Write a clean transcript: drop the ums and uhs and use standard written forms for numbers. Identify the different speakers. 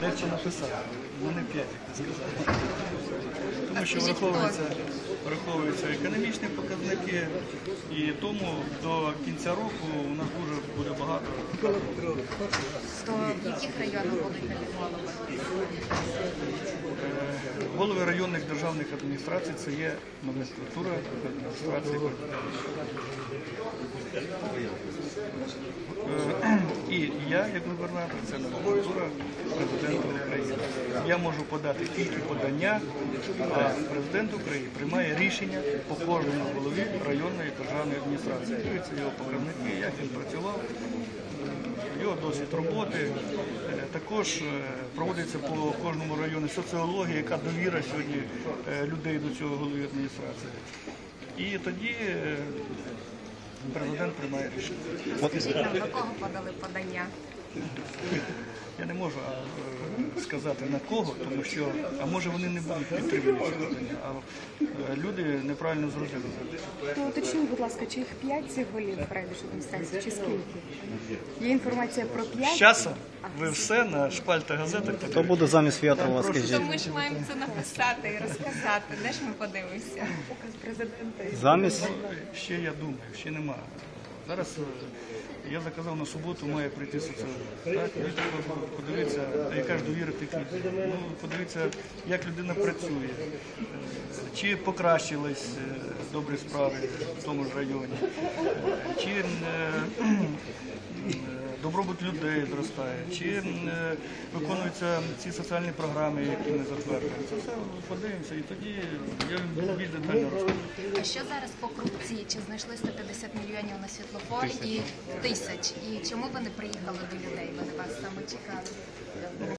Speaker 1: Дехто написав, вони 5, як ти сказав. Тому що враховуються економічні показники, і тому до кінця року у нас дуже буде багато.
Speaker 2: То в яких районах будуть нові голови?
Speaker 1: Голови районних державних адміністрацій – це є номенклатура адміністрації. І я, як губернатор, це номенклатура президента України. Я можу подати тільки подання, а президент України приймає рішення по кожному голові районної державної адміністрації. Дивіться його показники, як він працював, його досвід роботи. Також проводиться по кожному району соціологія, яка довіра сьогодні людей до цього голови адміністрації. І тоді президент приймає рішення.
Speaker 2: Скажіть нам, на кого подали подання?
Speaker 1: Я не можу сказати на кого, тому що, а може вони не будуть підтримувати це подання, а люди неправильно зрозуміли.
Speaker 3: То уточніть, будь ласка, чи їх 5 цих голів райдержадміністрації, чи скільки? Є інформація про 5?
Speaker 1: З часом ви все на шпальтах газетах.
Speaker 4: Хто буде замість В'ятрова,
Speaker 2: То
Speaker 4: скажіть?
Speaker 2: ми ж маємо це написати і розказати. Де ж ми подивимося?
Speaker 3: Указ президента.
Speaker 4: Замість?
Speaker 1: Ще я думаю, ще немає. Зараз я заказав на суботу, має прийти соціолог. Так, подивіться, яка ж довіра тих людей. Ну, подивіться, як людина працює, чи покращились добрі справи в тому ж районі, чи добробут людей зростає, чи виконуються ці соціальні програми, які ми затвердили. Це все подивимося, і тоді я більш детально розкажу.
Speaker 2: А що зараз по корупції? Чи знайшли 150 мільйонів на світлофор і 1000? І чому ви не приїхали до людей? Вони вас саме чекали?